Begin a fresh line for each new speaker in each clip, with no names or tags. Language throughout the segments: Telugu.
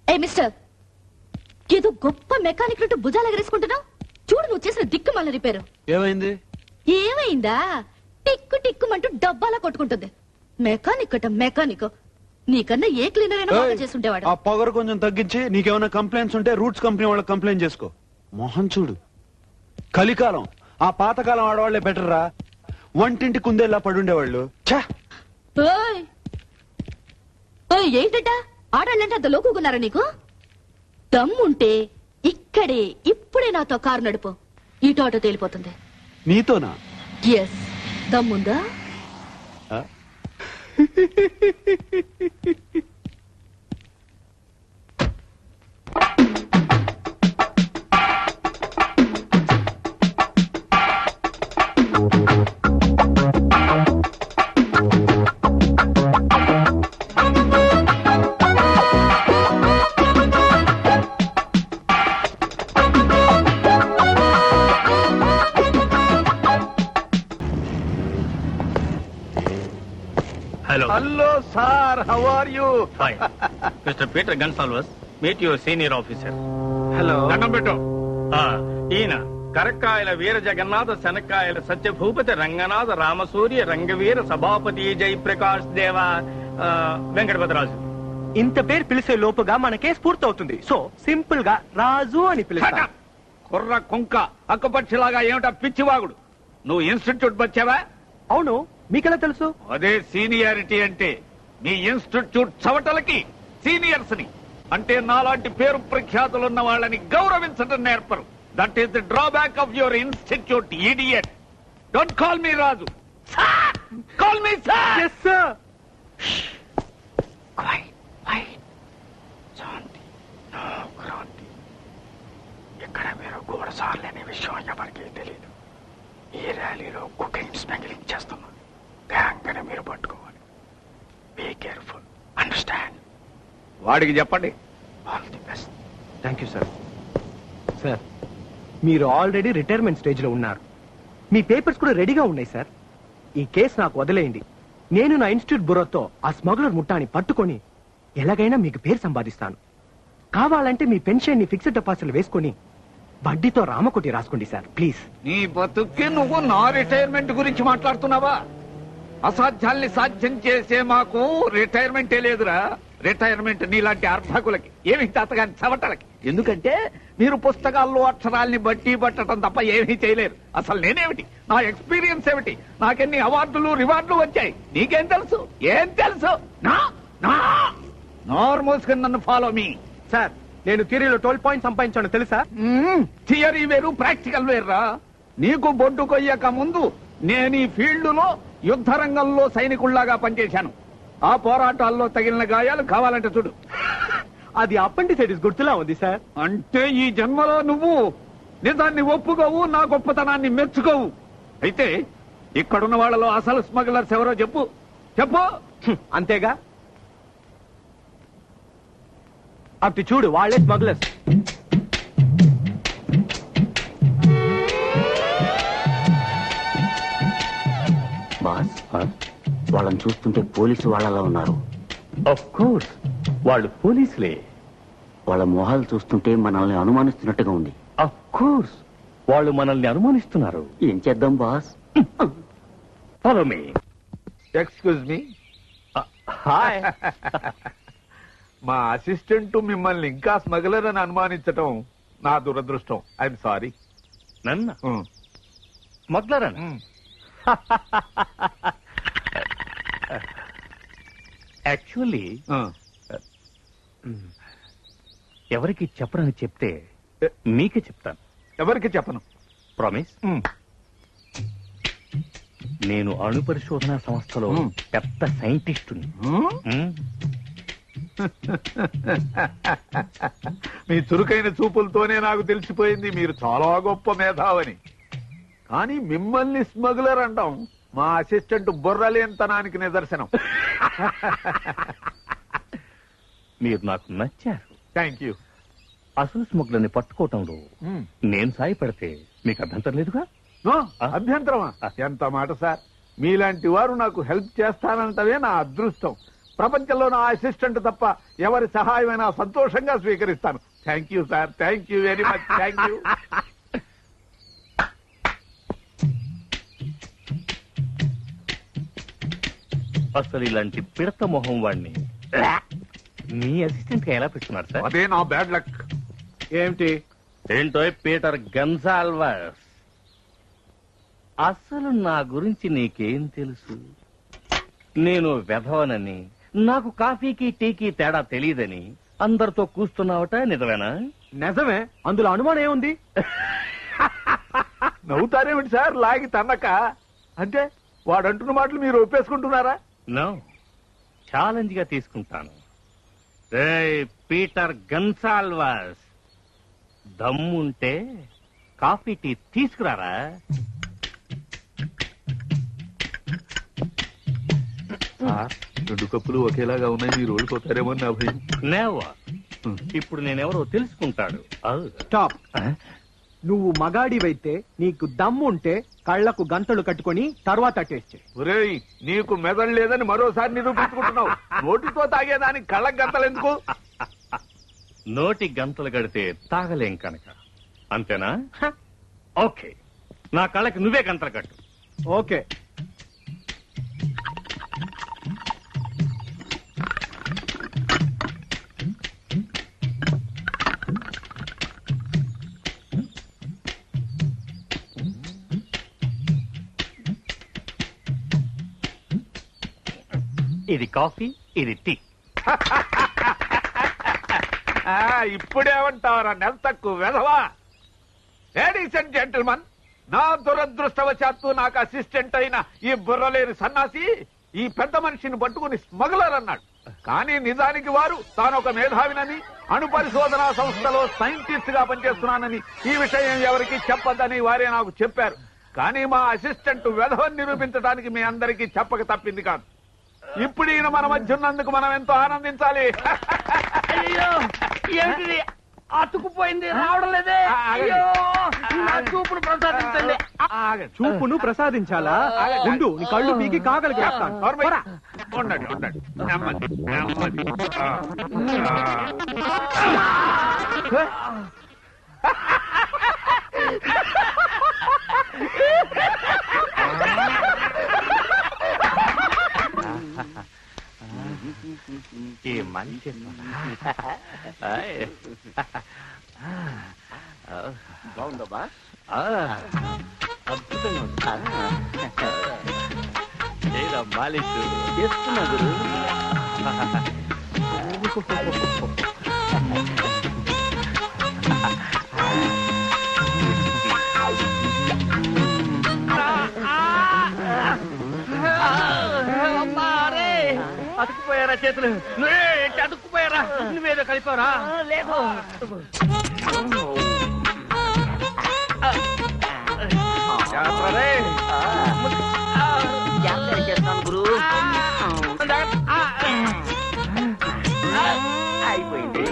ఏ మిస్టర్, ఏదో గొప్ప మెకానిక్ ను భుజాలు ఎగరేసుకుంటున్నావు. చూడు నువ్వు చేసిన దిక్కుమాల రిపేరు.
ఏమైంది?
ఏమైందా? టిక్కు టిక్కుమంటూ డబ్బాలా కొట్టుకుంటుంది. మెకానిక్ అట మెకానిక్. నీకన్నా ఏ క్లీనర్ అయినా బాగా చేసుంటేవాడు.
ఆ పొగరు కొంచెం తగ్గించి నీకేమైనా కంప్లైంట్స్ ఉంటే రూట్స్ కంపెనీ వాళ్ళకి కంప్లైంట్ చేసుకో. మోహన్ చూడు, కలికాలం. ఆ పాతకాలం ఆడవాళ్లే బెటర్ రా. వంటింటి కుందేలా పడుండేవాళ్ళు.
ఏంటట ఆడాళ్ళంటే అంత లోకున్నారా నీకు? దమ్ముంటే ఇక్కడే ఇప్పుడే నాతో కారు నడుపు. ఇటు ఆటో తేలిపోతుంది.
నీతోనా?
ఎస్, దమ్ముందా?
Hello, sir. How are you?
Fine. Mr. Peter Gonsalves, meet your senior officer.
Hello.
దండం పెట్టు. ఈయన కరక్కాయల వీర జగన్నాథ శనక్కాయల సత్యభూపతి రంగనాథ రామసూర్య రంగవీర సభాపతి జయప్రకాష్ దేవ వెంకటపతిరాజు.
ఇంత పేరు పిలిచే లోపుగా మన కేసు పూర్తవుతుంది. సో సింపుల్ గా రాజు అని పిలుస్తా.
కుర్ర కుంక అక్కపక్షిలాగా ఏమిటా పిచ్చివాగుడు? నువ్వు ఇన్స్టిట్యూట్ వచ్చావా?
అవును, మీకెలా తెలుసు?
అదే సీనియారిటీ అంటే. మీ ఇన్స్టిట్యూట్ చవటలకి సీనియర్స్ ని అంటే నాలాంటి పేరు ప్రఖ్యాతులున్న వాళ్ళని గౌరవించడం నేర్పరు. That is the drawback of your institute, idiot. Don't call me Raju, call me sir.
Yes sir.
Shanti, no Kranti. ఇక్కడ మీరు గోడసార్లు అనే విషయం ఎవరికీ తెలియదు. ఈ ర్యాలీలో కుకింగ్ స్మగ్లింగ్ చేస్తున్నాం. గ్యాంగ్ అని మీరు పట్టుకోవాలి. Be careful, understand? వాడికి చెప్పండి. All the best.
Thank you sir. Sir, మీరు ఆల్రెడీ రిటైర్మెంట్ స్టేజ్ లో ఉన్నారు. మీ పేపర్స్ కూడా రెడీగా ఉన్నాయి సార్. ఈ కేసు నాకు వదిలేయండి. నేను నా ఇన్స్టిట్యూట్ బురోతో ఆ స్మగ్లర్ ముఠాని పట్టుకొని ఎలాగైనా మీకు పేరు సంపాదిస్తాను. కావాలంటే మీ పెన్షన్ ని ఫిక్స్డ్ డిపాజిట్లు వేసుకొని వడ్డీతో రామకోటి రాసుకోండి సార్, ప్లీజ్.
నీ బతుక్కి నువ్వు నా రిటైర్మెంట్ గురించి మాట్లాడుతున్నావా? అసాధ్యాల్ని సాధ్యం చేసే మాకు రిటైర్మెంటే లేదురా. రిటైర్మెంట్ నీలాంటి అర్భకులకి, ఏమి తాతగాని చవటలకి. ఎందుకంటే మీరు పుస్తకాల్లో అక్షరాల్ని బట్టి పట్టడం తప్ప ఏమీ చేయలేరు. అసలు నేనేమిటి, నా ఎక్స్పీరియన్స్ ఏమిటి, నాకెన్ని అవార్డులు రివార్డులు వచ్చాయి, నీకేం తెలుసు? ఏం తెలుసు? నోరు మూసుకుని నన్ను ఫాలో మీ.
సార్, నేను థియరీలో 12 పాయింట్స్ సంపాదించాను తెలుసా?
థియరీ వేరు, ప్రాక్టికల్ వేర్రా. నీకు బొడ్డు కొయ్యక ముందు నేను ఈ ఫీల్డ్ లో యుద్ధ రంగంలో సైనికుల్లాగా పనిచేశాను. ఆ పోరాటాల్లో తగిలిన గాయాలు కావాలంటే చూడు.
అది అపెండిసైటిస్ గుర్తులా ఉంది సార్.
అంటే ఈ జన్మలో నువ్వు నిజాన్ని ఒప్పుకోవు, నా గొప్పతనాన్ని మెచ్చుకోవు. అయితే ఇక్కడున్న వాళ్ళలో అసలు స్మగ్లర్స్ ఎవరో చెప్పు.
అంతేగా, అటు చూడు, వాళ్ళే స్మగ్లర్స్.
బాస్, వాళ్ళని చూస్తుంటే పోలీసు వాళ్ళలా ఉన్నారు.
ఆఫ్ కోర్స్, వాళ్ళు పోలీసులే.
వాళ్ళ మొహాలు చూస్తుంటే మనల్ని అనుమానిస్తున్నట్టుగా ఉంది.
ఆఫ్ కోర్స్, వాళ్ళు మనల్ని అనుమానిస్తున్నారు.
ఏం చేద్దాం boss?
Follow me.
Excuse me.
Hi.
మా అసిస్టెంట్ మిమ్మల్ని ఇంకా స్మగ్లర్ అని అనుమానించటం నా దురదృష్టం. I'm sorry.
నన్ను స్మగ్లర్ అని? యాక్చువల్లీ ఎవరికి చెప్పరని చెప్తే మీకే చెప్తాను.
ఎవరికి చెప్పను.
ప్రామిస్. నేను అణు పరిశోధన సంస్థలో పెద్ద సైంటిస్టుని.
మీ చురుకైన చూపులతోనే నాకు తెలిసిపోయింది మీరు చాలా గొప్ప మేధావని. కానీ మిమ్మల్ని స్మగ్లర్ అంటాం మా అసిస్టెంట్ బుర్రలేనితనానికి నిదర్శనం.
మీరు నాకు నచ్చారు.
Thank you.
అసలు స్మగ్లర్ని పట్టుకోవటంలో నేను సాయపడితే మీకు అభ్యంతరం లేదుగా?
అభ్యంతరమా? ఎంత మాట సార్. మీలాంటి వారు నాకు హెల్ప్ చేస్తానంటవే నా అదృష్టం. ప్రపంచంలో నా అసిస్టెంట్ తప్ప ఎవరి సహాయమైనా సంతోషంగా స్వీకరిస్తాను. Thank you sir, thank you very much, thank you.
అసలు ఇలాంటి పిడత మొహం వాడిని మీ అసిస్టెంట్ ఎలా పెట్టుకున్నారు సార్?
అదే నా బ్యాడ్ లక్.
ఏమిటి?
ఏంటో పీటర్ గన్సాల్వస్, అసలు నా గురించి నీకేం తెలుసు? నేను వెధవనని, నాకు కాఫీకి టీకి తేడా తెలియదని అందరితో కూస్తున్నావట, నిజమేనా?
నిజమే, అందులో అనుమానం ఏముంది?
నవ్వుతారేమిటి సార్ లాగి తన్నక? అంటే వాడంటున్న మాటలు మీరు ఒప్పేసుకుంటున్నారా?
నో, ఛాలెంజ్ గా తీసుకుంటాను. రేయ్ పీటర్ గన్సాల్వస్, దమ్ముంటే కాఫీ టీ తీసుకురారా.
రెండు కప్పులు ఒకేలాగా ఉన్నాయి, మీరు ఓడిపోతారేమో నా భయం.
నేవా, ఇప్పుడు నేనెవరో తెలుసుకుంటాడు.
స్టాప్. నువ్వు మగాడివైతే నీకు దమ్ముంటే కళ్లకు గంటలు కట్టుకొని తర్వాత టేస్ట్ చేయి.
ఒరేయ్, నీకు మెదడు లేదని మరోసారి నిరూపించుకుంటున్నావు. నోటితో తాగేదానికి కళ్ళకు గంతలు ఎందుకు?
నోటి గంటలు గడితే తాగలేం కనుక, అంతేనా? ఓకే, నా కళ్ళకి నువ్వే గంటలు కట్టు.
ఓకే.
ఇది కాఫీ, ఇది టీ.
ఇప్పుడేమంటావరా నెల తక్కువ వెధవా? లేడీస్ అండ్ జెంటిల్మన్, నా దురదృష్టవశాత్తు నాకు అసిస్టెంట్ అయిన ఈ బుర్రలేని సన్నాసి ఈ పెద్ద మనిషిని పట్టుకుని స్మగ్లర్ అన్నాడు. కానీ నిజానికి వారు తాను ఒక మేధావినని, అణు పరిశోధనా సంస్థలో సైంటిస్ట్ గా పనిచేస్తున్నానని, ఈ విషయం ఎవరికి చెప్పొద్దని వారే నాకు చెప్పారు. కానీ మా అసిస్టెంట్ వెధవని నిరూపించడానికి మీ అందరికీ చెప్పక తప్పింది కాదు. ఇప్పుడు ఈయన మన మధ్య ఉన్నందుకు మనం ఎంతో ఆనందించాలి.
అయ్యో, ఏమిటిది? అతుకుపోయింది, రావడం లేదే. అయ్యో, నా చూపును ప్రసాదించండి.
చూపును ప్రసాదించాలా? ఉండు, నీ కళ్ళు పీకి కాగలికి వేస్తాను.
నోర్మై. ఉండండి, ఉండండి. నెమ్మది, నెమ్మది.
ఈ మంచి
బాగుందా బా?
అద్భుతంగా మాలిష్
చేస్తున్నా గురు.
అతుకుపోయారా చేతులు? నువ్వే అతుక్కుపోయారా? నువ్వేదో కలిపారా? లేదు.
జాగ్రత్త చేస్తాను గురు. అయిపోయింది.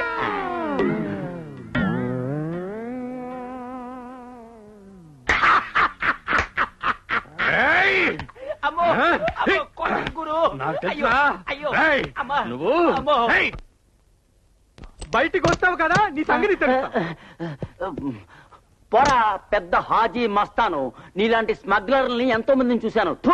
అమ్మో, గురు. అయ్యో, అమ్మా,
నువ్వు
అమ్మో.
బయటికి వస్తావు కదా, నీ సంగతి తెలుస్తా.
పొరా పెద్ద హాజీ మస్తాను. నీలాంటి స్మగ్లర్ని ఎంతో మందిని చూశాను. థూ.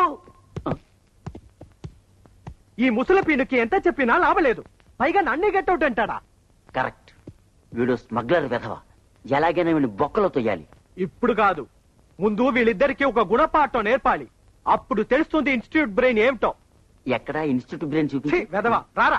ఈ ముసల పీనుకి ఎంత చెప్పినా లాభలేదు. పైగా నన్నే గెట్అవుట్ అంటాడా?
కరెక్ట్. వీడు స్మగ్లర్ వెధవ. ఎలాగైనా వీడిని బొక్కలో తొయ్యాలి.
ఇప్పుడు కాదు, ముందు వీళ్ళిద్దరికి ఒక గుణపాఠం నేర్పాలి. అప్పుడు తెలుస్తుంది ఇన్స్టిట్యూట్ బ్రెయిన్ ఏమిటో.
ఎక్కడ ఇన్స్టిట్యూట్ బ్రెయిన్
ఛీ,
చూపి.
వెధవ రారా.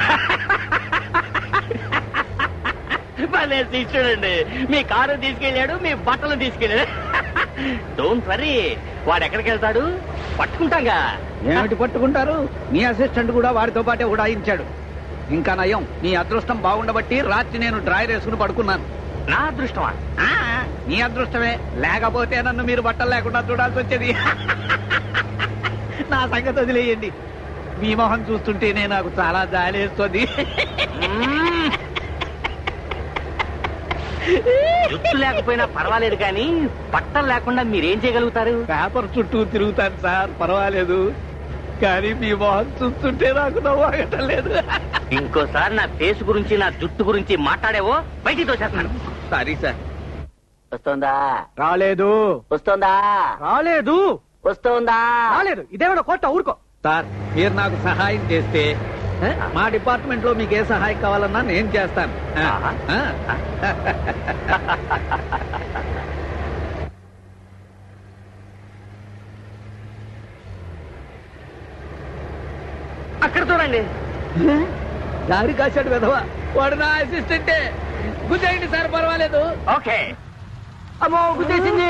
చూడండి, మీ కారు తీసుకెళ్ళాడు, మీ బట్టలు తీసుకెళ్ళాడు.
డోంట్ వరీ, వాడు ఎక్కడికి వెళ్తాడు పట్టుకుంటాగా.
ఏమిటి పట్టుకుంటారు? మీ అసిస్టెంట్ కూడా వాడితో పాటే ఉడాయించాడు. ఇంకా నయం, మీ అదృష్టం బాగుండబట్టి రాత్రి నేను డ్రాయర్ వేసుకుని పడుకున్నాను.
నా అదృష్టమా?
మీ అదృష్టమే, లేకపోతే నన్ను మీరు బట్టలు లేకుండా చూడాల్సి వచ్చేది. నా సంగతి వదిలేయండి. మీ మొహం చూస్తుంటేనే నాకు చాలా జాలేస్తుంది.
జుట్టు లేకపోయినా పర్వాలేదు, కానీ బట్టలు లేకుండా మీరేం చేయగలుగుతారు?
పేపర్ చుట్టూ తిరుగుతాను సార్, పర్వాలేదు.
కానీ మీ మొహం చూస్తుంటే నాకు నవ్వాగటం లేదు.
ఇంకోసారి నా ఫేస్ గురించి నా జుట్టు గురించి మాట్లాడేవో బయటికి తోచేస్తున్నాను.
Sorry sir.
వస్తోందా?
రాలేదు.
వస్తోందా?
రాలేదు.
వస్తోందా?
రాలేదు. ఇదేమన్నా కోట ఊరుకో.
సార్ మీరు నాకు సహాయం చేస్తే మా డిపార్ట్మెంట్ లో మీకు ఏ సహాయం కావాలన్నా నేను చేస్తాను.
అక్కడ చూడండి.
దారి కాశాడు విధవా, వాడు నా అసిస్టెంటే. గుద్దేయండి సార్, పర్వాలేదు.
ఓకే.
అమ్మో గుద్దేసింది.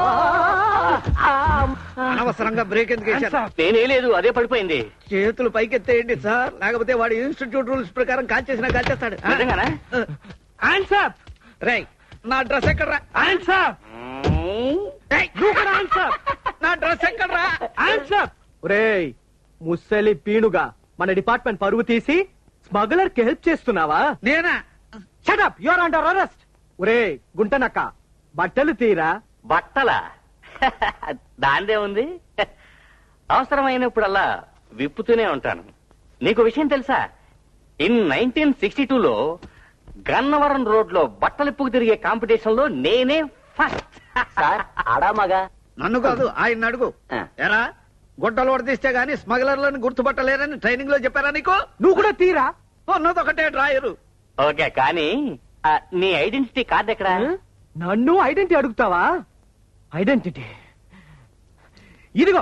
అనవసరంగా బ్రేక్ ఎందుకు వేశారు?
నేనే లేదు, అదే పడిపోయింది.
చేతులు పైకెత్తేయండి సార్, లేకపోతే వాడు ఇన్స్టిట్యూట్ రూల్స్ ప్రకారం కాల్చేసినా కాల్చేస్తాడు.
నిజంగానా?
ఆన్సర్.
రై నా డ్రెస్ ఎక్కడ్రా?
ఆన్సర్.
ఏయ్, నా డ్రెస్ ఎక్కడ్రా?
ఆన్సర్. ఒరేయ్ ముసలి పీనుగా, మన డిపార్ట్మెంట్ పరువు తీసి స్మగ్లర్ కి హెల్ప్ చేస్తున్నావా?
నేనా?
Shut up, you are under arrest. ఒరేయ్ గుంటనక్క, బట్టలు తీరా.
బట్టల దాందే ఉంది. అవసరమైనప్పుడల్లా విప్పుతూనే ఉంటాను. నీకు విషయం తెలుసా? ఇన్ 1962లో గన్నవరం రోడ్ లో బట్టలిప్పుకు తిరిగే కాంపిటీషన్ లో నేనే ఫస్ట్.
సార్ ఆడా మగా?
నన్ను కాదు, ఆయన అడుగు. ఎరా గుడ్డలు వడదీస్తే గానీ స్మగ్లర్లను గుర్తుపట్టలేరని ట్రైనింగ్ లో చెప్పారా నీకు?
నువ్వు కూడా తీరా.
ఉన్నదొకటే డ్రాయరు.
ఓకే, కానీ నీ ఐడెంటిటీ కార్డ్ ఎక్కడా?
నన్ను ఐడెంటిటీ అడుగుతావా? ఐడెంటిటీ ఇదిగో.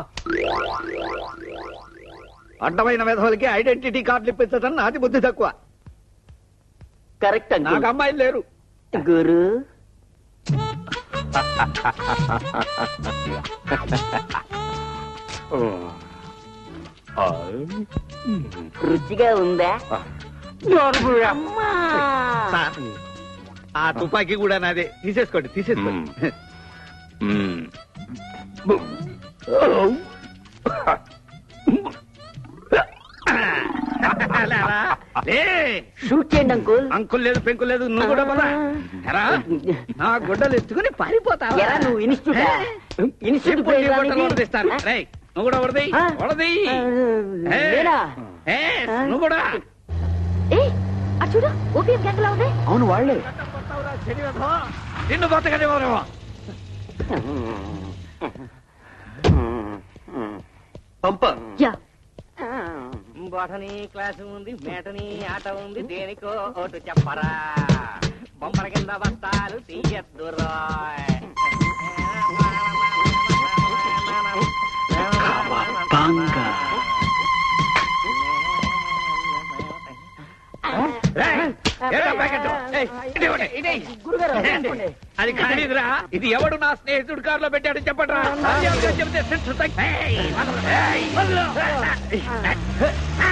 అడ్డమైన విధవులకి ఐడెంటిటీ కార్డులు ఇప్పించడం నాది బుద్ధి తక్కువ.
కరెక్ట్
నాకు అమ్మాయిలు లేరు.
గురు రుచిగా ఉందా?
సార్, ఆ తుపాకీ కూడా నాదే. తీసేసుకోండి, తీసేసుకోండి.
షూట్ చేయండి అంకుల్.
అంకుల్ లేదు, పెంకుల్ లేదు, నువ్వు కూడా పద. ఎరా, నా గుడ్డలు ఎత్తుకుని పారిపోతావా?
ఎరా నువ్వు ఇన్స్టిట్యూట్
ఇప్పుడు నీ గుడ్డలు వడదీస్తాను. రేయ్, నువ్వు కూడా వడదీ, వడదీ. నువ్వు కూడా.
ఏ అటు చూడు, ఓపీఎం గ్యాంగ్ లా ఉంది.
అవును వాళ్లే.
నిన్ను బతకనివ్వరేమో.
పంప.
యా,
బొటనీ క్లాసు ఉంది, మేటనీ ఆట ఉంది, దేనికో ఓటు చెప్పరా. బొమ్మల కింద బస్తాలు తీయద్దురా.
అది ఖరీదురా. ఇది ఎవడు నా స్నేహితుడు కారులో పెట్టాడు చెప్పట్రా. చెప్తే